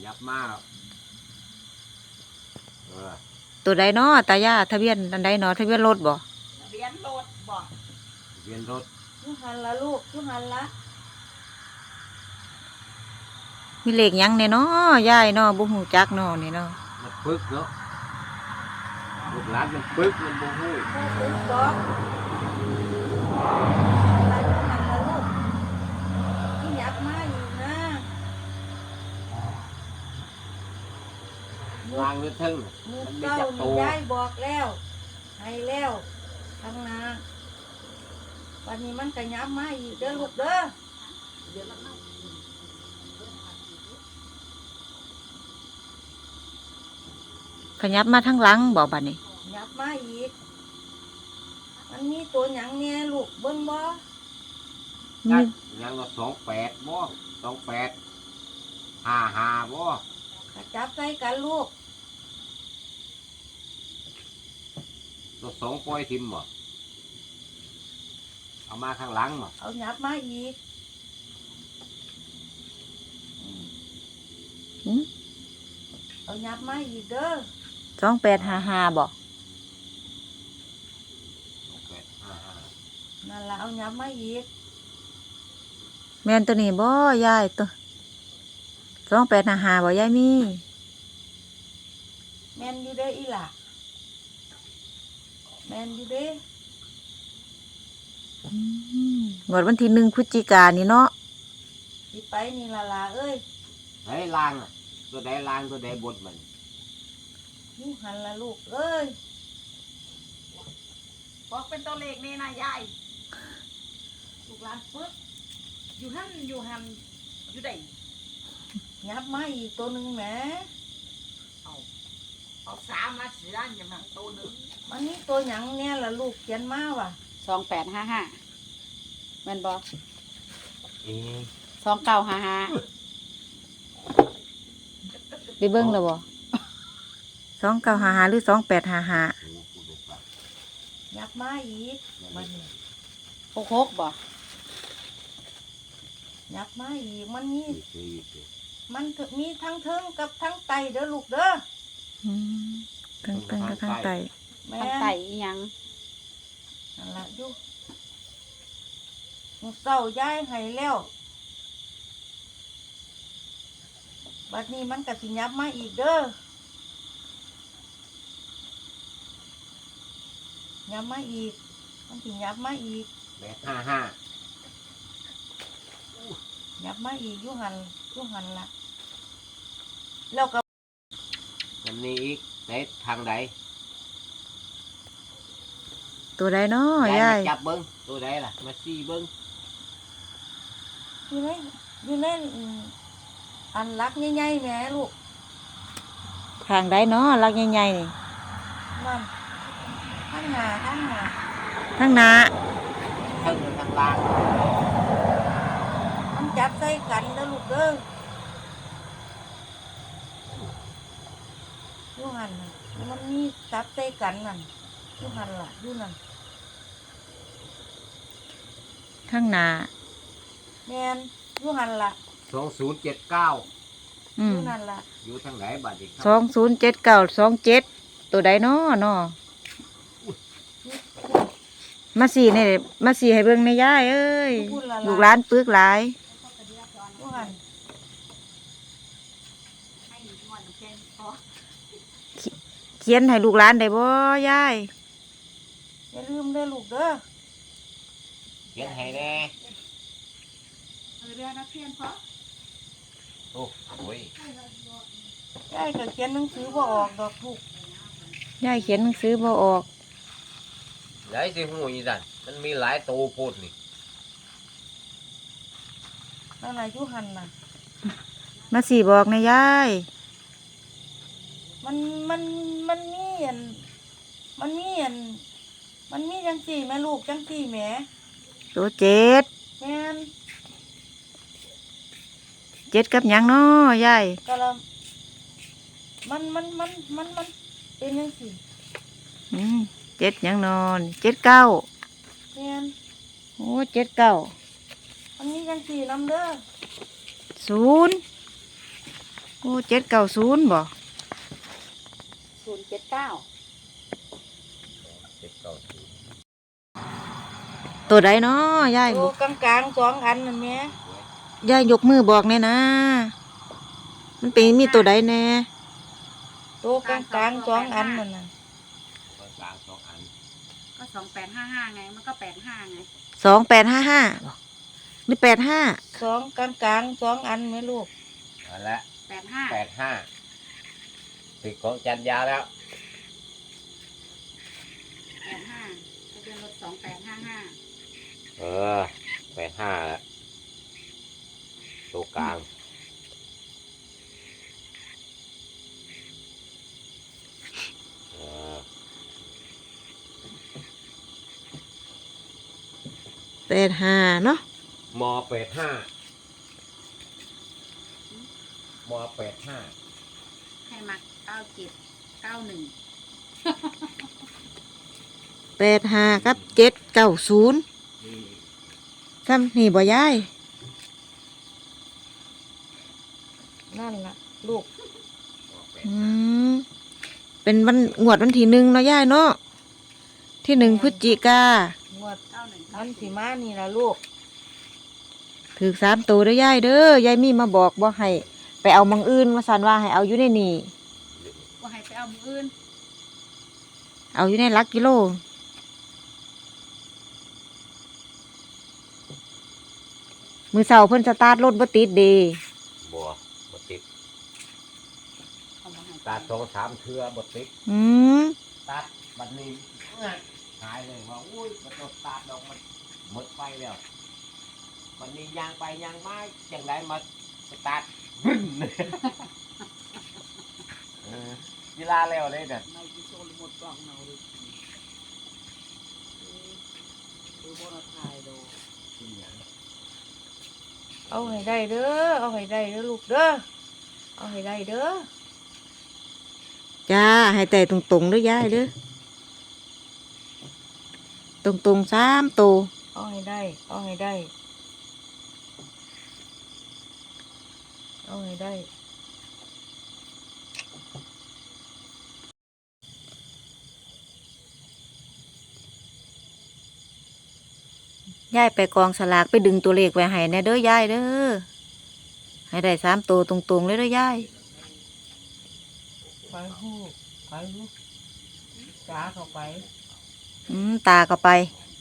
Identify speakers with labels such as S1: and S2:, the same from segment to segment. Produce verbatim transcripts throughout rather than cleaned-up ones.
S1: ยับมากเออ
S2: ตัวใดเนาะตายาทะเบียนอันใดเนาะทะเบียนรถบ่
S3: ทะเบียนรถบ่
S1: ทะเบียนรถ
S3: ยูหันละลูกยูหันละ
S2: มีเลขหยังเนี่ยเนาะยายเนาะบ่ฮู้จักเนาะนี่เนาะ
S1: มันปึกเนาะลูกหลานมันปึกมันบ่ฮู้
S3: โอ้ปึ๊กดอกละยูหันละลูกที่ยักมาอยู่นะ
S1: วางไว้ทึ่ง
S3: มือ
S1: มันไม่
S3: เก้า
S1: จับโต
S3: นี่ยายบอกแล้วให้แล้วทางนาวันนี้มันก็ยับมาอีกเด้อลูกเด้อ
S2: ขยับมาทางหลังบ่บัดนี้
S3: ยับมาอีกมันมีตัวหยังแน่ลูกเบิ่งบ่
S2: มี
S1: ยังก็สองแปดบ่สองแปดห้าห้าบ่
S3: ก็จับใส่กันลูก
S1: ตัวสองปล่อยทิมบ่เอามาข้างหลังบ่
S3: เอายับมาอีก
S2: หืม
S3: เอายับมาอีกเด้อ
S2: สองแปดห้าห้าบ่
S1: สองแปดห้าห้า
S3: นั่นล่ะเอายับมาอีก
S2: แม่นตัวนี้บ่ยายตัวสองแปดห้าห้าบ่ยายมี
S3: แม่นอยู่เด้ออีหล่ะแม่นอยู่เด้
S2: อืมงวดวันที่หนึ่งพฤศจิกายนนี่เนาะ
S3: สิไปนี่ล่ะล่ะเอ้ย
S1: ไหนลางอ่ะตัวใดลางตัวใดบดมัน
S3: ยูหันละลูกเอ้ย
S4: บอกเป็นตัวเลขนี่นะยายลูกหลานปึ๊กอยู่หันอยู่หันอยู่ใด
S3: ยับมาอีกตัวหนึ่งแหม
S4: เอาเอาสามมาเสียอย่างนั้นตัวหนึ่ง
S3: มันนี่ตัวหยังเนี่ยล่ะลูกเขียนมาว่ะ
S2: สองแปดห้าห้าแม่นบ่
S1: เอ๊ะ
S2: สองเก้าห้าห้าไปเบิ่งแล้วบ่สองเก้าห้าห้าหรือสองแปดห้าห้า
S3: ยับมาอีกมัน
S2: หกหกบ่
S3: ยับมาอีกมันมีมันมีทั้งเทิงกับทั้งไตเด้อลูกเด้อ
S2: ทั้งเทิงกับทั้งไต
S3: ทั้งไตอีหยังนั่นล่ะอยู่มื้อเช้าย้ายให้แล้วบัดนี้มันก็สิยับมาอีกเด้อยับมาอีกมันสิยับมาอีก
S1: แปดห้าห้า
S3: ยับมาอีกยูหันยูหันละแล้วก็
S1: วันนี้อีกไหนทางใด
S2: ตัวใดเนาะยาย
S1: จับเบิ้งตัวใดล่ะมาซี่เบิ้ง
S3: อยู่ในอยู่ในอันรักใหญ่ๆแม่ลูก
S2: ทางใดเนาะรักใหญ่ๆนี่
S3: นั่นข้างหน้าข้างหน้า
S2: ข้างหน้า
S1: ข้างทางล่าง
S3: มันจับใส่กันเด้อลูกเด้อยูหันมันมีจับใส่กันนั่นยูหันล่ะยูนั่น
S2: ข้างหน้า
S3: แม่นยูหันล่ะ
S1: สองศูนย์เจ็ดเก้า
S3: ยูนั่นล่ะ
S1: อยู่ทางไหนบัดนี้
S2: สองศูนย์เจ็ดเก้าสองเจ็ดตัวใดเนาะเนาะมาสี่เนี่ยมาสี่ให้เบิ่งในย่ายเอ้ยลูกหลานปึกหลาย
S3: ยูหัน
S2: เขียนให้ลูกหลานได้บ่ยาย
S3: อย่าลืมเด้อลูกเด้อ
S1: เขียนให้แน่
S4: เรียนนักเรียนเพราะ
S1: โอ้โห
S3: ยายก็เขียนหนังสือบ่ออกดอกลูก
S2: ยายเขียนหนังสือบ่ออก
S1: หลายสิหูอีสันมันมีหลายตัวโพดนี่
S3: นั่นน่ะยูหันน่ะ
S2: มาสี่บอกในยาย
S3: มันมันมันมีอันมันมีอันมันมีจังสี่แม่ลูกจังสี่แม่
S2: ตัวเจ็ด
S3: แม่น
S2: เจ็ดกับหยังเนาะยาย
S3: ก็ละมันมันมันมันมันเป็นจังสี่
S2: อืมเจ็ดหยังนอนเจ็ดเก้า
S3: แม่น
S2: โอ้เจ็ดเก้า
S3: มันมีจังสี่นำเด้อ
S2: ศูนย์โอ้เจ็ดเก้าศูนย์บ่
S4: ศูนย์เจ็ดเก้า
S1: เจ็ดเก้าศูนย์
S2: ตัวใดเนาะยาย
S3: โตกลางกลางๆสองอันนั่นแหม่
S2: ยายยกมือบอกแน่นะ มันเป็นมีตัวใดแน่
S3: โตกลางกลางๆสองอันนั่นน่ะ
S1: ตรงกลางสองอัน
S4: ก็สองแปดห้าห้าไงมันก็แปดห้าไง
S2: สองแปดห้าห้าหรือแปดห้า
S3: สองกลางกลางๆสองอันไหมลูก
S1: นั่นแหละ
S4: แปดห้า
S1: แปดห้าติดของจันยาแล้ว
S4: แปดห้าทะเบียนรถสองแปดห้าห้า
S1: เออแปดห้าแล้วตัวกลางเออ
S2: แปดห้าเนาะ
S1: มอแปดห้า มอแปดห้า
S4: ให้มาเก้าเจ็ดเก้าหนึ่ง
S2: แปดห้ากับเจ็ดเก้าศูนย์ซ้ำนี่บ่ยาย
S3: นั่นล่ะลูก
S2: อืมเป็นวันงวดวันที่หนึ่งเนาะยายเนาะที่หนึ่งพฤศจิกาง
S3: วด
S4: เก้าหนึ่ง
S3: อันสิมานี่ล่ะลูก
S2: ถือสามตัวเด้อยายเด้อยายมีมาบอกบ่ให้ไปเอามังอื่นมาสันว่าให้เอาอยู่ในนี่
S4: ว่าให้ไปเอามืออื่น
S2: เอาอยู่ในหลักกิโลมือเสาเพิ่นสตาร์ทรถบ่ติดเด
S1: บัวบติด
S4: เขาบอกให้
S1: ตัดสองสามเทือบติด
S2: อืม
S1: ตัดบัดนี้หายเลยว่าอุ้ยมันต้องตัดดอกมันหมดไปแล้ววันนี้ยางไปยางไม้จังไรมาสตาร์ทบึ้นเออเวลาแล้วเลยเนี่ย
S4: ไม่ที่โซนหมดกล่องเนาเลยดูบนถ่ายดู
S3: เอาให้ได้เด้อเอาให้ได้เด้อลูกเด้อเอาให้ได้เด้อ
S2: จ้าให้แต่ตรงๆเด้อยายเด้อตรงๆสามตัว
S3: เอาให้ได้เอาให้ได้เอาให้ได้
S2: ยายไปกองสลากไปดึงตัวเลขไว้ให้แน่เด้อยายเด้อให้ได้สามตัวตรงๆเลยเด้อยาย
S3: ไปหู้ไปลูกจ้าเข้าไป
S2: อืมตาก็ไป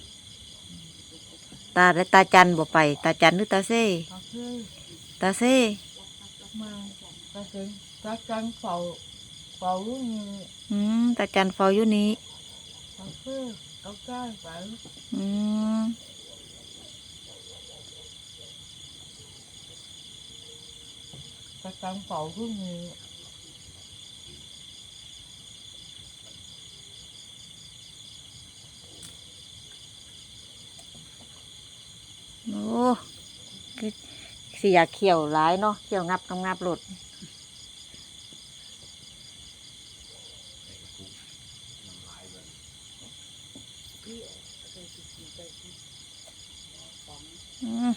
S2: ตาและตาจันบ่ไป ตาจันหรือตาเซ่
S3: เอาคือ
S2: ตาเซ่
S3: มาไปถึงจักจังเฝ้าเฝ้าลูกนี่
S2: อืมตาจันเฝ้าอยู่นี้
S3: เอาคือเอาใกล้ไป
S2: อืม
S3: จักจังเฝ้าลูกนี่
S2: โอ้คือสิอยากเขียวหลายเนาะเขียวงับงับงับหลดอืม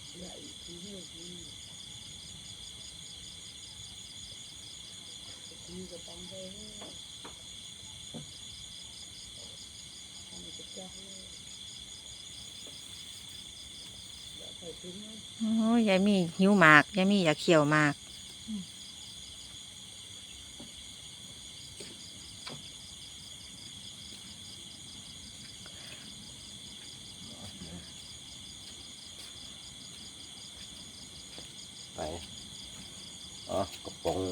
S2: โอ้ยายมีหิวหมากยายมีอยากเขียวหมาก
S1: ไปอ๋อกระป๋อง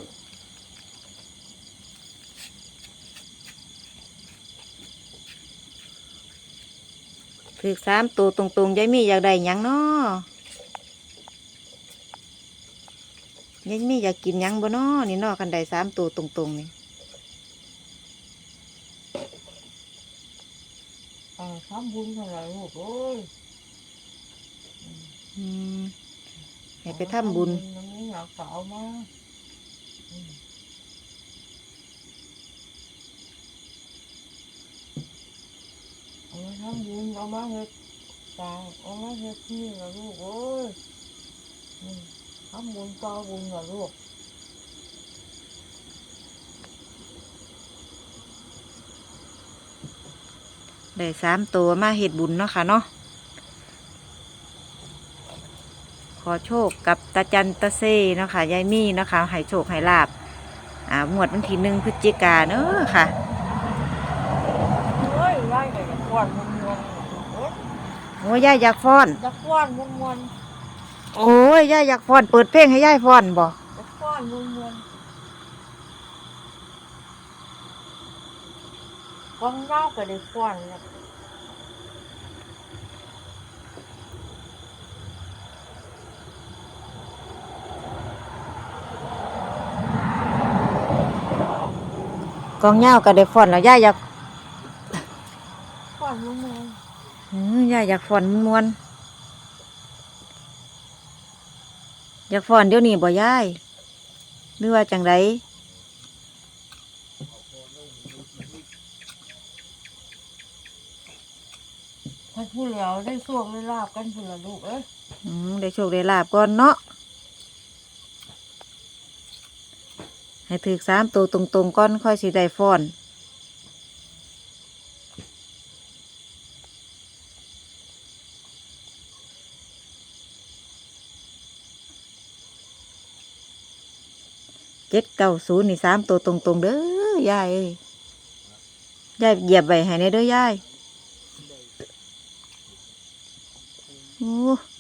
S2: ถือสามตัวตรงๆยายมีอยากได้หยังเนาะยายมีอยากกินหยังบ่เนาะนี่เนาะคันได้สามตัวตรงๆนี่
S3: อ่าทำบุญเท่าไหร่ลูกโอ้ย
S2: อืมให้ไปทำบุญ
S3: มันไม่อยากเก่ามาอืมเอามาทำบุญเอามาเฮ็ดตาเอามาเฮ็ดนี่ละลูกโอ้ยอืมทำบุญต่อบุญละลูก
S2: ได้สามตัวมาเฮ็ดบุญเนาะค่ะเนาะขอโชคกับตาจันตาเซ่เนาะค่ะยายมี่เนาะค่ะให้โชคให้ลาบอ่าหมวดวันที่หนึ่งพฤศจิกาเนาะค่ะ
S3: เฮ้ยยายก็อยากฟ้อนมวนๆโอ้ย
S2: โอ้ยยายอยากฟ้อน
S3: อยากฟ้อนมวน
S2: โอ้ยยายอยากฟ้อนเปิดเพลงให้ยายฟ้อนบ่
S3: ๆอยากฟ้อนมวนๆกองยาวก็ได้ฟ้อนแล้ว
S2: กองเหย้าก็ได้ฟ้อนแล้วยายอยาก
S3: ฟ้อนมวน
S2: อือยายอยากฟ้อนม่วนๆอยากฟ้อนเดี๋ยวนี้บ่ยายหรือว่าจังได
S3: ๆถ้าผู้แล้วได้สวงได้ลาบกันพุ่นละลูกเอ้ย
S2: อืมได้โชคได้ลาบก่อนเนาะให้ถือสามตัวตรงๆก่อนค่อยสิได้ฟ้อนเจ็ดเก้าศูนย์นี่สามตัวตรงๆเด้อยายเอ้ยยายเหยียบไว้ให้ในเด้อยายโอ้